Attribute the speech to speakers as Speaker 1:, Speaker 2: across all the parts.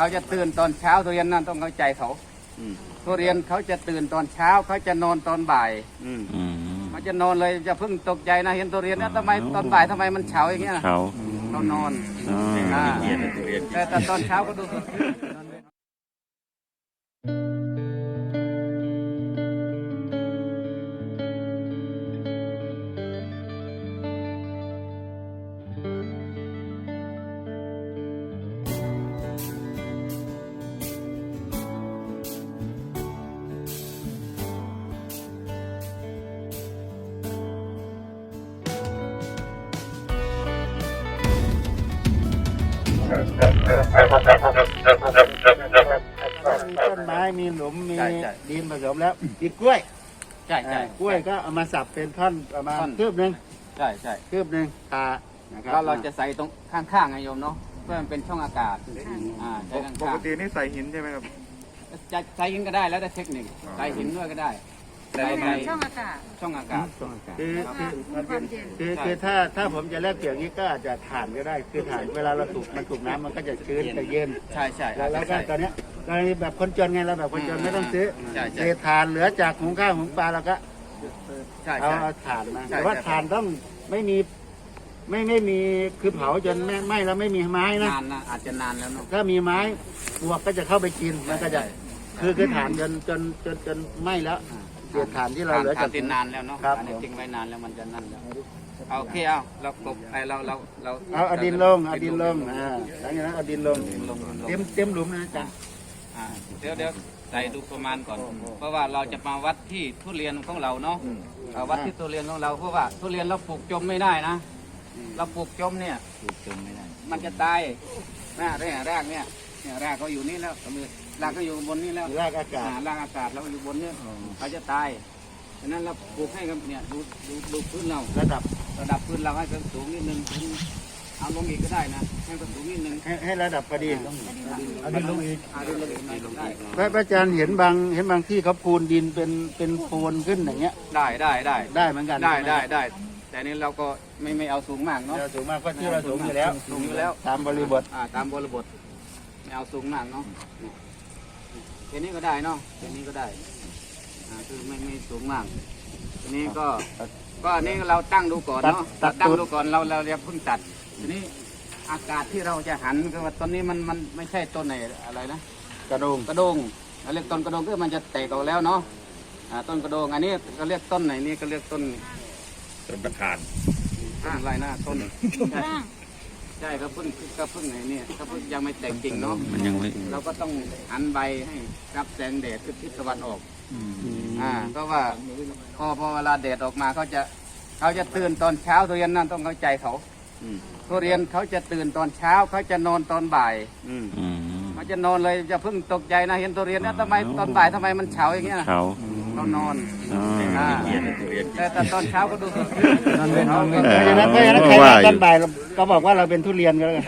Speaker 1: เขาจะตื่นตอนเช้าทุเรียนนั่นต้องเข้าใจเขาทุเรียนเขาจะตื่นตอนเช้าเขาจะนอนตอนบ่ายเขาจะนอนเลยจะเพิ่งตกใจนะเห็นทุเรียนนะทำไมตอนบ่ายทำไมมันเฉาอย่างเงี้ยเขานอนแต่ตอนเช้าก็ดู
Speaker 2: ต้นไม้มีหลุมมีดินผสมแล้วอีกกล้วย
Speaker 1: ใช่
Speaker 2: กล้วยก็เอามาสับเป็นท่อนประมาณคืบหนึ่งคืบหนึ่ง
Speaker 1: แล้วเราจะใส่ตรงข้างๆไงโยมเนาะเพื่อมันเป็นช่องอากาศใช้ข้างๆ
Speaker 3: ปกตินี่ใส่หินใช่ไหมครับ
Speaker 1: จะใส่หินก็ได้แล้วแต่เทคนิคใส่หินด้วยก็ได้
Speaker 4: ใส่ช่องอากาศ
Speaker 2: คือถ้าผมจะแลกเปลี่ยนนี้ก็อาจจะถ่านก็ได้คือถ่านเวลาเราถูกน้ำมันก็จะชื้นจะเย็น
Speaker 1: ใช่
Speaker 2: แล้วก็ตอนนี้กรณีแบบคนจนไงเราแบบคนจนไม่ต้องซื้อเศษถ่านเหลือจากหุงข้าวหุงปลาเราก็เอาถ่านมาแต่ว่าถ่านต้องไม่มีคือเผาจนไหม้แล้วไม่มีไม้นะ
Speaker 1: อาจจะนานแล้วเนาะ
Speaker 2: ถ้ามีไม้ปวกก็จะเข้าไปกินมันก็จะคือถ่านจนไหม้แล้วเศษถ่านที่เราเหลือจาก
Speaker 1: นานแล้วเนาะทิ้งไว้นานแล้วมันจะนั่นแล้วโอเคเรากบเรา
Speaker 2: เอาดินลงหลังจากนั้นเอาดินลงเต็มหลุมนะจ๊ะ
Speaker 1: เดี๋ยวใส่ดูประมาณก่อนเพราะว่าเราจะมาวัดที่ทุเรียนของเราเนาะวัดที่ทุเรียนของเราเพราะว่าทุเรียนเราปลูกจมไม่ได้นะเราปลูกจมเนี่ยมันจะตายรากเนี่ยรากเขาอยู่นี่แล้วรากก็อยู่บนนี้แล้ว
Speaker 2: รากอากาศ
Speaker 1: เราอยู่บนนี้เขาจะตายฉะนั้นเราปลูกให้กับเนี่ยดูพื้นเราระดับพื้นเราให้สูงนิดนึงเอาลงอีกก็ได้นะให้สูงนิดนึง
Speaker 2: ให้ระดับพอดี
Speaker 1: เอาดินลงอีก
Speaker 2: พระอาจารย์เห็นบางที่เขาปูนดินเป็นโพนขึ้นอย่างเงี้ย
Speaker 1: ได้
Speaker 2: เหมือนกัน
Speaker 1: ได้แต่นี้เราก็ไม่เอาสูงมากเนาะ
Speaker 2: สูงมากก็ที่เราสูงอยู่แล้วตามบริบท
Speaker 1: ไม่เอาสูงมากเนาะแค่นี้ก็ได้เนาะแค่นี้ก็ได้คือไม่สูงมากทีนี้ก็นี่เราตั้งดูก่อนเนาะตั้งดูก่อนเราจะเพิ่งตัดทีนี้อากาศที่เราจะหันก็ว่าต้นนี้มันไม่ใช่ต้นไหนอะไรนะ
Speaker 2: กระโดง
Speaker 1: เราเรียกต้นกระโดงก็มันจะแตกออกแล้วเนาะต้นกระโดงอันนี้ก็เรียกต้นไหนนี่ก็เรียกต้น
Speaker 3: ประธาน
Speaker 1: อะไรนะต้นใช่ก็เพิ่งไหนเนี่ยก็เพิ่งยังไม่แตกจริงเนาะ
Speaker 3: มันยังไม่
Speaker 1: เราก็ต้องหันใบให้รับแสงแดดทิศตะวันออกก็ว่าพอเวลาแดดออกมาเขาจะตื่นตอนเช้าทุเรียนนั่นต้องเข้าใจเขาทุเรียนเขาจะตื่นตอนเช้าเขาจะนอนตอนบ่ายเขาจะนอนเลยจะเพิ่งตกใจนะเห็นทุเรียนนะทำไมตอนบ่ายทำไมมันเฉาอย่างเงี้ยเขานอนแต่ตอนเช้าก็ดู
Speaker 2: เพราะฉะนั้นใครตอนบ่ายก็บอกว่าเราเป็นทุเรียนก็แล้วกัน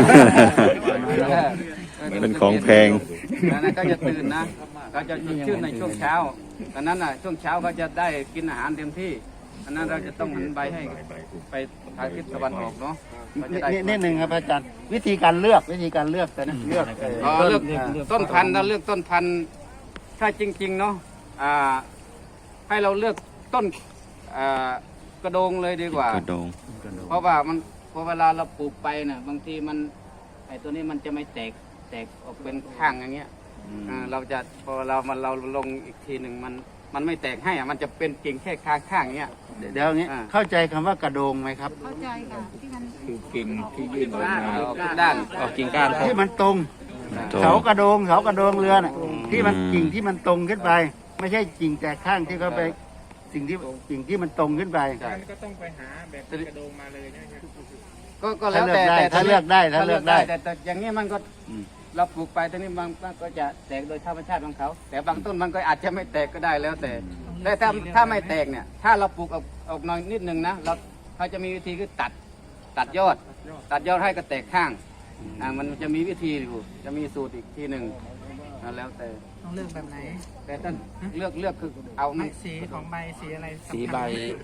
Speaker 3: เป็นของแพง
Speaker 1: นั่นก็จะตื่นนะเราจะชื่นในช่วงเช้าดังนั้นช่วงเช้าเขาจะได้กินอาหารเต็มที่ดังนั้นเราจะต้องหันใบให้ไปทางทิศตะวันออกเนาะ
Speaker 2: นิดหนึ่งครับอาจารย์วิธีการเลือกแต่นะเลือก
Speaker 1: ต้นพันธุ์เราเลือกต้นพันธุ์ถ้าจริงๆเนาะให้เราเลือกต้นกระโดงเลยดีกว่าก
Speaker 3: ระโดง
Speaker 1: เพราะว่าพอเวลาเราปลูกไปเนี่ยบางทีมันไอ้ตัวนี้มันจะไม่แตกออกเป็นข้างอย่างเงี้ยเราจะพอเราลงอีกทีหนึ่งมันไม่แตกให้มันจะเป็นกิ่งแค่ข้างอย่างเงี้ย
Speaker 2: เดี๋ยวนี้เข้าใจคำว่ากระโดงไหมครับ
Speaker 4: เข้าใจค่ะที่มัน
Speaker 3: คือกิ่งที่ยื่นออกมา
Speaker 1: ด้านออกกิ่งก้าน
Speaker 2: ที่มันตรงเสากระโดงเรือน่ะที่มันกิ่งที่มันตรงขึ้นไปไม่ใช่กิ่งแตกข้างที่เขาไปกิ่งที่มันตรงขึ้นไป
Speaker 5: ก็ต้องไปหาแบบกระโดงมาเลยนะครับ
Speaker 1: ก็แล้วแต่
Speaker 2: ถ้าเลือกได้
Speaker 1: แต่อย่างนี้มันก็เราปลูกไปตอนนี้บางก็จะแตกโดยธรรมชาติของเขาแต่บางต้นมันก็อาจจะไม่แตกก็ได้แล้วแต่ถ้าไม่แตกเนี่ยถ้าเราปลูกออกน้อยนิดนึงนะเขาจะมีวิธีคือตัดยอดให้ก็แตกข้างมันจะมีวิธีอยู่จะมีสูตรอีกทีหนึ่งแล้วแต่
Speaker 5: ต้องเลือกแบบไหน
Speaker 1: แต่ต้องเลือกคือเอา
Speaker 5: สีของใบสีอะไร
Speaker 1: สีใบ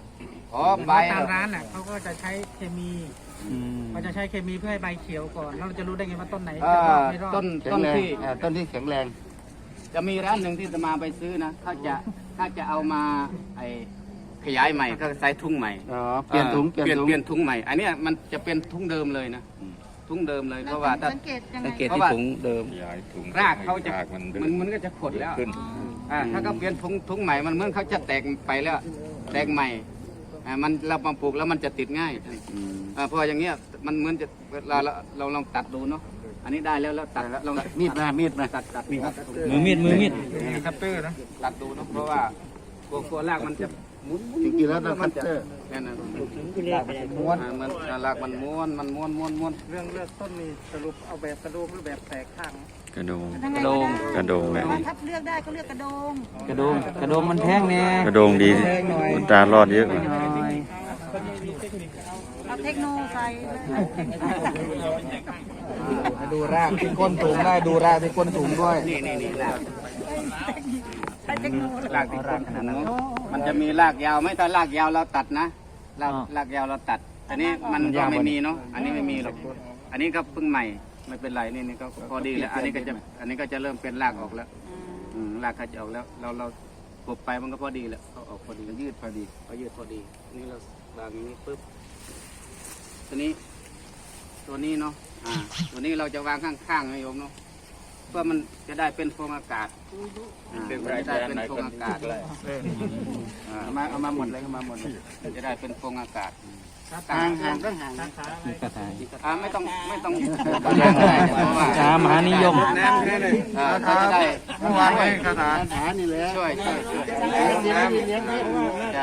Speaker 1: อ๋อใบ
Speaker 5: ตามร้านน่ะเขาก็จะใช้เคมีเขาจะใช้เคมีเพื่อให้ใบเขียวก่อนแล้วเราจะรู้ได้ไงว่าต้นไหนจะรอดไม่รอด
Speaker 1: ต้น
Speaker 2: แข็
Speaker 1: ต้
Speaker 2: ง
Speaker 1: น
Speaker 2: แรง
Speaker 1: ที่
Speaker 2: ต้นที่แข็งแรง
Speaker 1: จะมีร้านหนึ่งที่จะมาไปซื้อนะถ้าจะเอามาไอขยายใหม่ก็ใส่ถุงใหม่
Speaker 2: อ๋อเปลี่ยนถุง
Speaker 1: เปลี่ยนถุงใหม่ อันเนี้ยมันจะเป็นถุงเดิมเลยนะถุงเดิมเลยเพราะว่าถ้า
Speaker 4: สังเกตยังไง
Speaker 1: สังเกตที่ถุงเดิม
Speaker 3: ย้ายถุง
Speaker 1: รากเขาจะ
Speaker 3: รากมันดื้อ
Speaker 1: มันก็จะขดแล้ว
Speaker 3: ขึ้น
Speaker 1: ถ้าเขาเปลี่ยนถุงใหม่มันเหมือนเขาจะแตกไปแล้วแตกใหม่มันเรามาปลูกแล้วมันจะติดง่ายเพราะอย่างเงี้ยมันเหมือนจะเราลองตัดดูเนาะอันนี้ได้แล้วตัดลอง
Speaker 2: มีดมา
Speaker 1: ตัดมีด
Speaker 6: มือมีด
Speaker 5: คัตเตอร์นะ
Speaker 1: ตัดดูเนาะเพราะว่ากลัวรากมันจะหมุน
Speaker 2: จริงๆแล้วต้องคัตเตอร์
Speaker 1: นั่นนะม้วนมันรากมันม้วน
Speaker 5: เรื่องเลือกต้นนี่สรุปเอาแบบกระโดงหรือแบบแตกข้าง
Speaker 3: กระโดง
Speaker 4: ยังไงก็ได้
Speaker 3: กระโดงแหละ
Speaker 4: แต่ว่าถ้าเลือกได้ก็เลือกกระโดง
Speaker 6: กระโดงมันแพงแน่
Speaker 3: กระโดงดีคุณตารอดเยอะกว่า
Speaker 4: เอาเทคโนใส่เลย
Speaker 6: ดูรากที่ก้นสูงได้ดูรากที่ก้นสูงด้วย
Speaker 1: นี่ราก
Speaker 4: ใช้เทคโน
Speaker 1: รากที่ต้นมันจะมีรากยาวไหมถ้ารากยาวเราตัดนะรากยาวเราตัดอันนี้มันก็ไม่มีเนาะอันนี้ไม่มีหรอกอันนี้ก็เพิ่งใหม่ไม่เป็นไรนี่ก็พอดีแล้วอันนี้ก็จะเริ่มเป็นรากออกแล้วรากเขาจะออกแล้วเราปลูกไปมันก็พอดีแล้วเขาออกพอดียืดพอดีนี่เราวางอย่างนี้ปุ๊บตัวนี้เนาะตัวนี้เราจะวางข้างๆนะโยมเนาะเพื่อมันจะได้เป็นโฟองอากาศจะได้เป็นโฟองอากาศเอามาหมดเลยจะได้เป็นโฟองอากาศ
Speaker 2: ห่างต้องห่าง
Speaker 1: ไม่ต้อง
Speaker 6: ช้ามหานิยม
Speaker 1: เขาจะได้
Speaker 2: เมื่อวานคาถานี่แหละ
Speaker 1: ช่วย
Speaker 2: เลี้ยงให้
Speaker 1: ใช่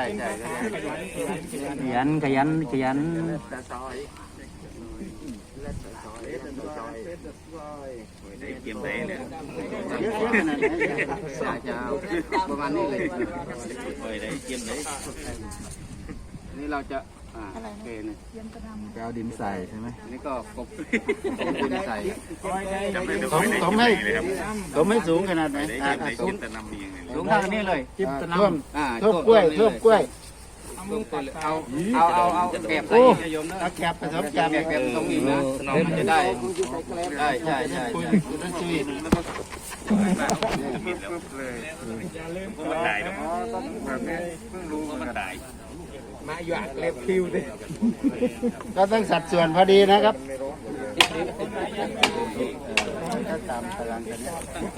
Speaker 6: ขยัน
Speaker 3: เก็บได้เลย
Speaker 2: เยอะขนาดไหน
Speaker 1: จะประมาณนี้เลย
Speaker 3: ได้เก็บได้
Speaker 1: นี่เราจะโอเคเนี่ย
Speaker 6: ไปเอาดินใส่ใช่ไหม
Speaker 1: อันนี้ก็กบดินใส่
Speaker 2: ผมให้สูงขนาดไหนสูง
Speaker 1: สูงเท่านี้เลย
Speaker 2: ท่วมกล้วย
Speaker 1: เอาแกบใส่โยมนะ
Speaker 2: เอาแกบผสมแกบ
Speaker 1: แกบตรงนี้นะมันจะได้ใช่
Speaker 3: มันได้ดอกแบบนี้เพิ่งรู้ว่ามันได้
Speaker 5: มาหยาดเล็บคิวดิ
Speaker 2: ก็ต้องสัดส่วนพอดีนะครับตามตารางกัน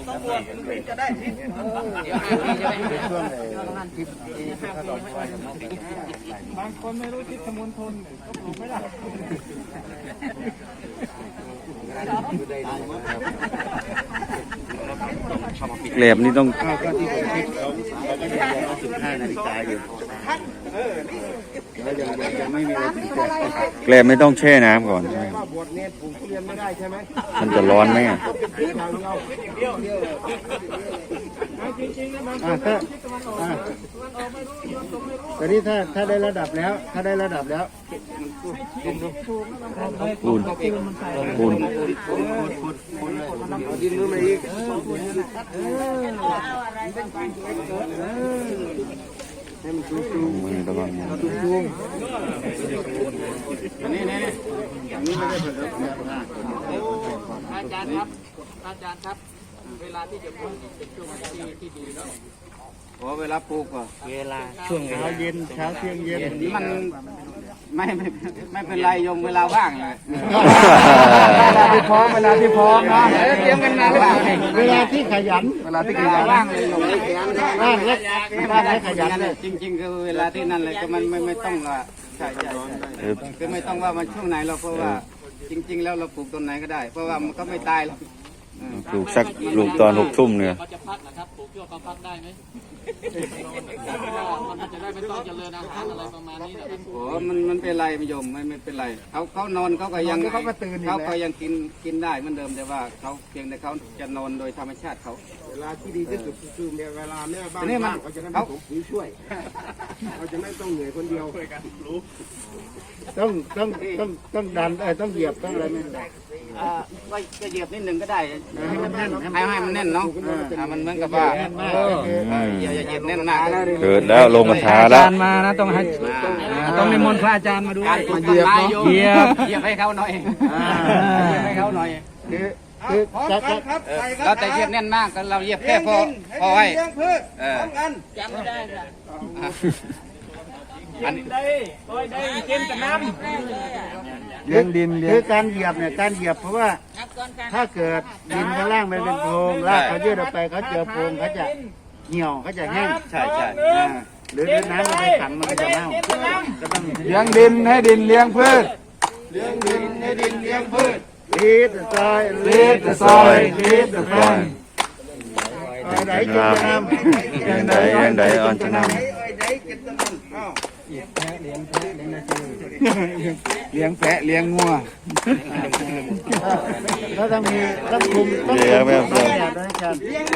Speaker 2: ช่วงทิศเขาดอกไม้
Speaker 5: บางคนไม่รู้ทิศมณฑลก็ปลูกไม่ได้
Speaker 3: แกลบนี่ต้อง
Speaker 2: ก็ที่ผมคิดเราก็ยัง15 นาฬิกาอยู่แล้วยังไม่มีอะไรถึงเกิด
Speaker 3: แกลบไม่ต้องแช่น้ำก่อนใช่ไหมมันจะร้อนไหมอ่ะ
Speaker 2: ตอนนี้ถ้าได้ระดับแล้ว
Speaker 3: ปูน
Speaker 2: ดินมือมาอีก
Speaker 3: มือระวังมือ
Speaker 1: อันนี้ไม่ได้ผสมอาจารย์ครับเวลาที่จะปลูกเป็นช่วงที่ดีเนาะเวลาปลูกอ่ะ
Speaker 6: เวลาช่วง
Speaker 2: เช้าเย็นเช้าเที่ยงเย็น
Speaker 1: มันไม่เป็นไรโยมเวลาว่างเลย
Speaker 6: เวลาที่พร้อมเนาะ
Speaker 1: เตรียมกันมาหรือเปล่า
Speaker 2: เวลาที่ขยัน
Speaker 1: เวลาที่ว่างเลยโยม
Speaker 2: ว่างและขยันเลย
Speaker 1: จริงๆคือเวลาที่นั่นเลยก็มันไม่ต้องละใช่คือไม่ต้องว่ามันช่วงไหนเราเพราะว่าจริงๆแล้วเราปลูกต้นไหนก็ได้ เพราะว่ามันก็ไม่ตายหรอก
Speaker 3: ปลูกตอน6 ทุ่มเนี่ย
Speaker 7: เขาจะพักนะครับปลูกชั่วเขาพักได้ไหมมันจะได้ไม่ต้องเจริญอาหารอะไรประมาณนี้นะครับ
Speaker 1: โอ้มันเป็นไรไม่ยมไม่เป็นไรเขานอนเขาก็ยังเขาก็ยังกินได้เหมือนเดิมแต่ว่าเขาเพียงแต่เขาจะนอนโดยธรรมชาติเขา
Speaker 2: เวลาที่ดีที่สุดคือเวลาแม่บ้านเขาจะได้ไม่ต้องช่วยเขาจะไม่ต้องเหนื่อยคนเดียวต้องดันต้องเหยียบต้องอะไรไม่ได้
Speaker 1: ก็เหยียบนิดหนึ่งก็ได้
Speaker 2: ให้มันแน่น
Speaker 1: ให้มันแน่นเนาะมันเหมือนกับว่าอย่าเหยียบแน่นมาก
Speaker 3: เกิดแล้วลงกระถา
Speaker 6: อา
Speaker 3: แล้ว
Speaker 6: จารย์มานะต้องให้ต้องนิมนต์พระอาจารย์มาด้วย
Speaker 1: การปลูก
Speaker 6: เหยียบ
Speaker 1: ต้นไม้
Speaker 6: เนาะ
Speaker 1: โยม
Speaker 6: เหยียบ
Speaker 1: เหยียบให้เขาหน่อยเหยียบให้เขาหน่อย
Speaker 2: คือจะ
Speaker 1: เราแต่เหยียบแน่นมากเราเหยียบแค่พอให้จำไม่ได้ค่ะอันนี้
Speaker 6: เลี้ยงดินเลี้ย
Speaker 2: คื
Speaker 6: ง
Speaker 2: อการเหยียบเนี่ยการเหยียบเพราะว่าถ้าเกิดดินข้างล่างมันเป็นโพรงรากเขายืดออกไปเขาเจอโพรงเขาจะเหี่ยวเขาจะแห้ง
Speaker 1: ใช่ใช่
Speaker 2: หรือน้ำมันไปขังมันก็จะเน่าก็ต้อง
Speaker 6: เลี้ยงดินให้ดินเลี้ยงพืช
Speaker 2: ลีดซอย
Speaker 6: Lead the soil, lead the front
Speaker 2: ไหนจุดน้
Speaker 3: ยังไงอ่อนชนะ
Speaker 6: เลี้ยงแพะเลี้ยงงัว
Speaker 2: ำแล้วต้องมีต้องคุมต้อง
Speaker 3: เลี้ยงแบบ
Speaker 2: ต้องแบบด้วยกัน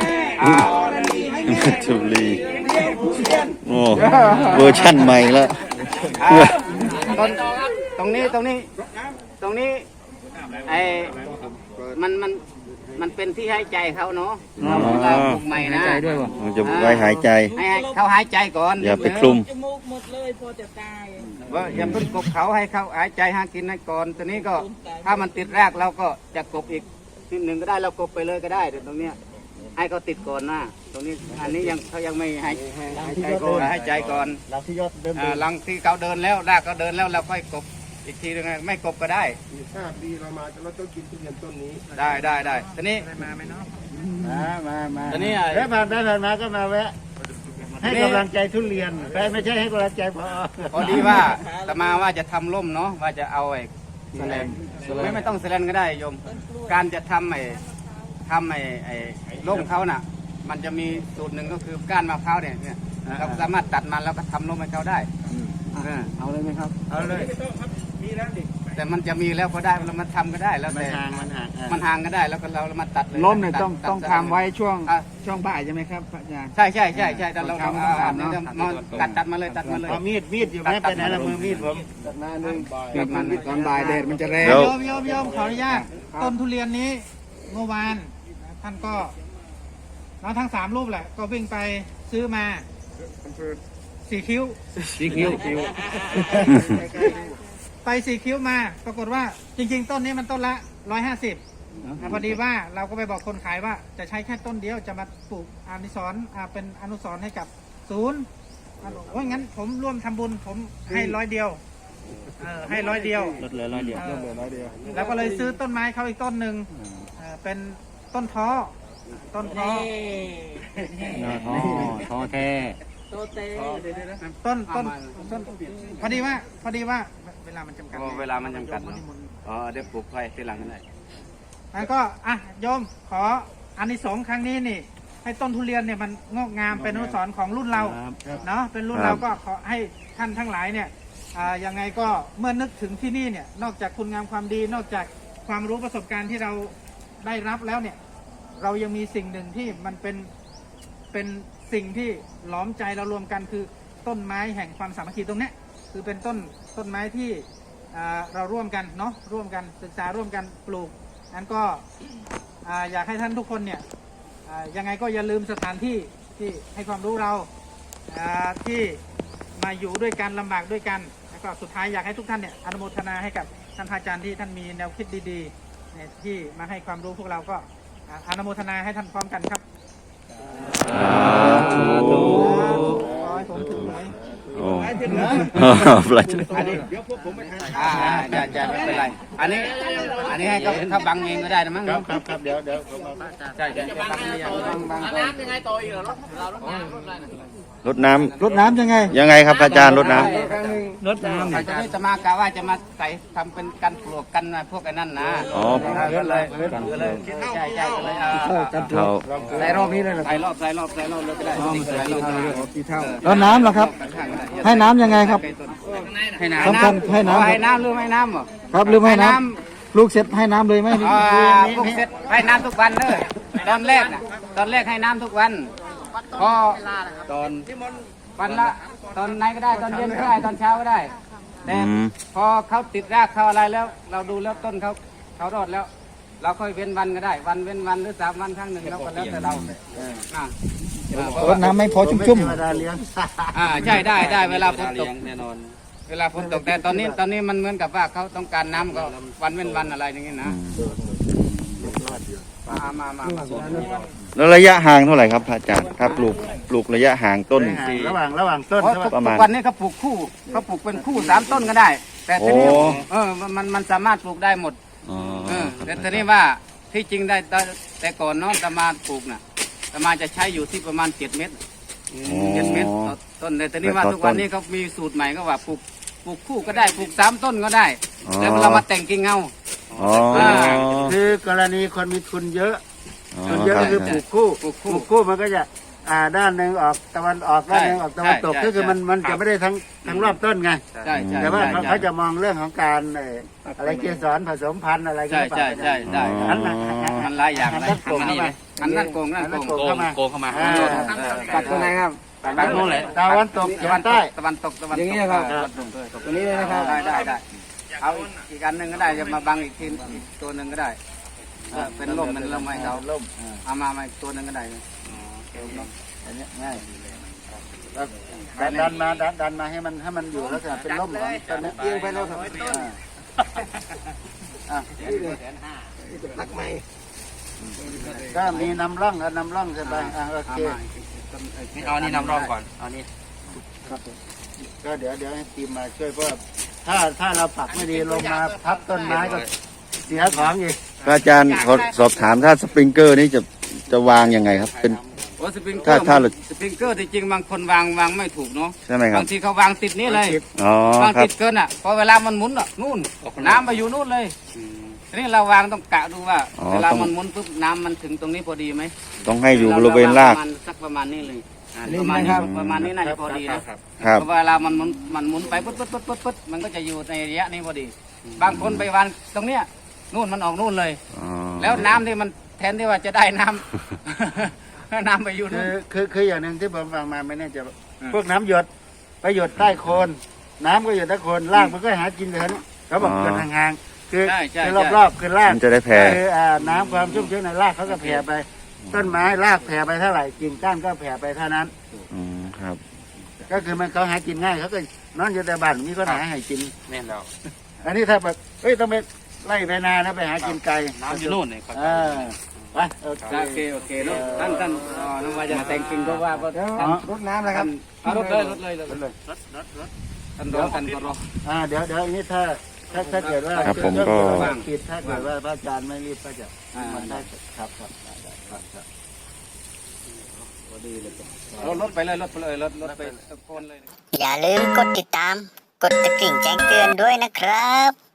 Speaker 3: จุลีโอ้เวอร์ชั่นใหม่แล้ว
Speaker 1: ตรงนี้ไอ้มันเป็นที่หายใจเขาเนาะเราปลูกใหม่นะ
Speaker 3: มันจะไว้หายใจ
Speaker 1: ให้เขาหายใจก่อน
Speaker 3: อย่าไปคลุม
Speaker 1: ว่าอย่าเพิ่งกบเขาให้เขาหายใจหากินให้ก่อนตอนนี้ก็ถ้ามันติดรากเราก็จะกบอีกนิดหนึ่งก็ได้เรากบไปเลยก็ได้เดี๋ยวตรงเนี้ยให้เขาติดก่อนนะตรงนี้อันนี้ยังเขายังไม่ให้ใจก่อนให้ใจก่อน
Speaker 2: เราที่ยอดเดิม
Speaker 1: หลังที่เขาเดินแล้วรากเขาเดินแล้วเราค่อยกบอีกทีนึงไม่กบก็ได้
Speaker 8: ถ้าปีเรามาเราต้องกินทุเรียนต้นนี้
Speaker 1: ได้ตอนนี้
Speaker 2: มา
Speaker 1: ตอนนี้
Speaker 2: แล้วผ่านมาก็มาแวะ ให้กำลังใจทุเรียนแต่ไม่ใช่ให้กำลังใจพอ
Speaker 1: พอดีว่าตมาว่าจะทำร่มเนาะว่าจะเอาไอ้แสลนไม่ต้องแสลนก็ได้โยมการจะทำไอ้ร่มเขาน่ะ มันจะมีสูตรหนึ่งก็คือก้านมะพร้าวเนี่ยเราสามารถตัดมันแล้วก็ทำร่มให้เขาได้
Speaker 6: เอาเลยไหมครับ
Speaker 1: เอาเลยแต่มันจะมีแล้วก็ได้เรามาทำก็ได้แล้ว
Speaker 2: มัน
Speaker 1: แต่
Speaker 2: ห่าง
Speaker 1: มันห่างก็ได้แล้วก็เรามาตัดเลย
Speaker 6: ล้มเนี่ยต้อง
Speaker 1: ตัด
Speaker 6: ต้อง
Speaker 1: ตัด
Speaker 6: ทำไว้ช่วง
Speaker 1: อ่ะ
Speaker 6: ช่วงบ่ายใช่ไหมครับพระอาจารย์
Speaker 1: ใช่แต่เรามาตัดมาเลย
Speaker 2: เอามีดอยู่ไหมไปไหนละมือมีดผม
Speaker 6: ตอนบ่ายแดดมันจะแรง
Speaker 3: เดี๋ยว
Speaker 5: โยมขออนุญาตต้นทุเรียนนี้เมื่อวานท่านก็เราทั้ง3รูปแหละ ก็วิ่งไปซื้อมา4 คิ้ว
Speaker 6: สีคิ้ว
Speaker 5: ไป4 คิ้วมาปรากฏว่าจริงๆ ต้นนี้มันต้นละ150พอดีว่าเราก็ไปบอกคนขายว่าจะใช้แค่ต้นเดียวจะมาปลูกอานิสรณ์เป็นอนุสรณ์ให้กับศูนย์โอ้ยงั้นผมร่วมทำบุญผมให้100 เดียวให้100 เดียว
Speaker 6: ลดเหลือ100 เดียว
Speaker 5: แล้วก็เลยซื้อต้นไม้เขาอีกต้นหนึ่งเป็นต้นท้อต้นท้อ
Speaker 6: ท้อแท้
Speaker 5: ต้นพอดีว่าเวลามันจำกัด
Speaker 1: เวลามันจำกัดเนาะเดี๋ยวปลูกไฟทีหลังก็ได้
Speaker 5: แล้วก็โยมขออานิสงส์ครั้งนี้นี่ ให้ต้นทุเรียนเนี่ยมันงอกงามเป็นอนุสรณ์ของรุ่นเราเนาะเป็นรุ่นเราก็ขอให้ท่านทั้งหลายเนี่ยยังไงก็เมื่อนึกถึงที่นี่เนี่ยนอกจากคุณงามความดีนอกจากความรู้ประสบการณ์ที่เราได้รับแล้วเนี่ยเรายังมีสิ่งหนึ่งที่มันเป็นสิ่งที่หลอมใจเรารวมกันคือต้นไม้แห่งความสามัคคีตรงเนี้ยคือเป็นต้นไม้ที่เราร่วมกันเนาะร่วมกันศึกษาร่วมกันปลูกนั้นก็อยากให้ท่านทุกคนเนี่ยยังไงก็อย่าลืมสถานที่ที่ให้ความรู้เราที่มาอยู่ด้วยกันลำบากด้วยกันแล้วก็สุดท้ายอยากให้ทุกท่านเนี่ยอนุโมทนาให้กับท่านอาจารย์ที่ท่านมีแนวคิดดีๆเนี่ยที่มาให้ความรู้พวกเราก็อนุโมทนาให้ท่านพร้อมกันครับขอให้ผมถึงไหน
Speaker 3: โอ้ปลา
Speaker 1: อันนี้เดี๋ยวพวกผมไปทานจะไม่เป็นไรอันนี้ให้เขาบังเองก็ได้นะมั้ง
Speaker 2: ครับเดี๋ยวผมเอา
Speaker 1: ใช่บังไม่ยังบัง
Speaker 7: น้ำยังไงต่ออีกเหรอเรารถน้ำรถอะไรนะ
Speaker 3: รดน้
Speaker 6: รดน้ำยังไง
Speaker 3: ำยังไงครับอาจารย์รดน้
Speaker 6: รดน้ำ
Speaker 1: อาจารย์จะมากะว่าจะมาใส่ทำเป็นกันปลวกกันพวกไอ้นั่นนะ
Speaker 3: ำอ๋อ
Speaker 1: ก็เลยใช่ก็เลย
Speaker 3: เท่า
Speaker 6: ใส่รอบนี้เลยเหรอ
Speaker 1: ใส่รอบเลยก็ได้ใส่รอบ
Speaker 6: แล้วน้ำเหรอครับ ให้น้ำยังไงครับ
Speaker 1: ให้น้ำ
Speaker 6: สำคัญให้น้ำ
Speaker 1: ให้น้ำหรือไม่น้ำเหรอ
Speaker 6: ครับหรือไม่ให้น้ำลูกเสร็จให้น้ำเลยไหม
Speaker 1: พวกเสร็จให้น้ำทุกวันเลยตอนแรกให้น้ำทุกวันพอตอนวันละตอนไหนก็ได้ตอนเย็นก็ได้ตอนเช้าก็ได้แต่พอเขาติดรากเขาอะไรแล้ว เราดูแล้วต้นเขารอดแล้วเราค่อยเว้นวันก็ได้ วันเว้นวันหรือ3 วันครั้งหนึ่งเราก็แล้วแต่เราเพราะ
Speaker 6: ร
Speaker 1: ว่า
Speaker 6: ดน้ำไม่พอชุ่ม
Speaker 2: เทวดาเลี้ยง
Speaker 1: ใช่ได้เวลาฝนตกแน่นอน เวลาฝนตกแต่ตอนนี้มันเหมือนกับว่าเขาต้องการน้ำก็วันเว้นวันอะไรอย่างนี้นะมา
Speaker 7: ๆแล้วระยะห่างเท่าไหร่ครับพระอาจารย์ถ้าปลูกระยะห่างต้น
Speaker 2: ระหว่างต้น
Speaker 1: เพราะ
Speaker 2: ใช่ไหม
Speaker 7: ประมาณ
Speaker 1: ทุกวันนี้เขาปลูกคู่เขาปลูกเป็นคู่3 ต้นก็ได้ แต่ทีนี้
Speaker 7: โอ้
Speaker 1: มันสามารถปลูกได้หมด
Speaker 7: อ๋อ
Speaker 1: แต่ทีนี้ว่าที่จริงได้แต่ก่อนเนาะตมาปลูกน่ะตมาจะใช้อยู่ที่ประมาณ7 เมตร 7 เมตรต่อต้นแต่ทีนี้ว่าทุกวันนี้เขามีสูตรใหม่ก็ว่าปลูกคู่ก็ได้ปลูก3 ต้นก็ได้ แล้วเรามาแต่งกิ่งเอา
Speaker 7: อ๋อ
Speaker 2: คือกรณีคนมีทุนเยอะ
Speaker 7: อ๋อ
Speaker 2: ทุนเยอะก็คือปลูกคู่ปลูกคู่มันก็จะด้านหนึ่งออกตะวันออกด้านหนึ่งออกตะวันตกก็คือมันจะไม่ได้ทั้งรอบต้นไง
Speaker 1: ใช่
Speaker 2: แต่ว่าเขาจะมองเรื่องของการอะไรเกสรผสมพันธุ์อะไรก็
Speaker 1: ใช่
Speaker 2: ไป
Speaker 1: ได้
Speaker 2: อันนั้น
Speaker 1: มันหลายอย่าง
Speaker 2: อัน
Speaker 1: เลย
Speaker 2: นั้นโกงเข้ามา
Speaker 1: อันนั้นโกงนั่นโกง
Speaker 2: โกงเข้ามา
Speaker 1: ตัดตรงไหนครับตัดตรงไหน
Speaker 2: ตะวันตกเฉียงใต้
Speaker 1: ตะวันตกอย่างนี้นะครับตรงนี้เลยนะครับได้เอาอีกอันหนึ่งก็ได้จะมาบังอีกทีอีกตัวหนึ่งก็ได้เป็นร่มมันร่มให้เขาร่มเอามาอีกตัวหนึ่งก็ได้
Speaker 2: อันนี้ง่ายดันมาให้มันอยู่แล้วจะเป็นร่มของต้นนี้เอียงไปแล้วครับก็มีนำร่องใช่ไหมโอเค
Speaker 1: เอานี่นำร่องก่อนเอานี่
Speaker 2: ก็เดี๋ยวให้ทีมมาช่วยเพราะถ้าเราปักไม่ดีลงมาทับต้นไม้ก็เสียของอีก
Speaker 7: พระอาจารย์ขอสอบถามถ้าสปริงเกอร์นี่จะวางยังไงครับ เป็น
Speaker 1: โอ้สปริงเกอ
Speaker 7: ถ้า
Speaker 1: ร์
Speaker 7: เรา
Speaker 1: สปริงเกอร์ที่จริงบางคนวางไม่ถูกเนาะ
Speaker 7: ใช่ไหมครับ
Speaker 1: บางทีเขาวางติดนี่เลย
Speaker 7: อ๋อ
Speaker 1: วาง
Speaker 7: ครั
Speaker 1: ติ
Speaker 7: บ
Speaker 1: ดเกินอ่ะพอเวลามันหมุนอ่ะนู่นน้ำไปอยู่นู่นเลยทีนี้เราวางต้องกะดูว่า เวลามันหมุนปุ๊บน้ำมันถึงตรงนี้พอดีไหม
Speaker 7: ต้องให้อยู่บริเวณราก
Speaker 1: ประมาณนี้เลยประมาณนี้น่าจะพอดีนะครับ
Speaker 7: ครับ
Speaker 1: เพราะเวลามันหมุนไปปุ๊บมันก็จะอยู่ในระยะนี้พอดี บางคนไปวางตรงเนี้ยนู่นมันออกนู่นเลย
Speaker 7: อ๋อ
Speaker 1: แล้วน้ำที่มันแทนที่ว่าจะได้น้ำ น้ำไปอยู่นู่น
Speaker 2: คืออย่างหนึ่งที่ผมฟังมาไม่แน่ใจพวกน้ำหยดไปหยดใต้โคนน้ำก็หยดใต้โคนรากมันก็หากินเลยนะเขาบอกหยดห่างๆคือรอบๆคือราก
Speaker 7: มันจะได้แผ่
Speaker 2: คือน้ำความชุ่มชื้นในรากเขาก็แผ่ไป ต้นไม้รากแผ่ไปเท่าไหร่กิ่งก้านก็แผ่ไปเท่านั้น
Speaker 7: ครับ
Speaker 2: ก็คือมันเขาหากินง่ายเขาก็นอนอยู่แต่บ้านมีคนหาให้กิน
Speaker 1: แม่นแล้ว
Speaker 2: อันนี้ถ้าแบบต้องไปไล่ไปนานะไปหากินไกล
Speaker 1: น้ำอยู่นู่นเลย
Speaker 2: ไปโอเค
Speaker 1: โอเคเนาะท่านน้องว่าจะแต่งกิ่งก็ว่าก็
Speaker 2: รดน้ำนะครับ
Speaker 1: รถเลยท่านรอกันก็รอ
Speaker 2: เดี๋ยวอันนี้ถ้าเกิดว่า
Speaker 7: ครับผมก็
Speaker 2: ปิดถ้าเกิดว่าพระอาจารย์ไม่รีบก็จะมันได้ครับ
Speaker 1: รถไปเลยรถไปตะโกนเลย
Speaker 9: อย่าลืมกดติดตาม กดกระดิ่งแจ้งเตือนด้วยนะครับ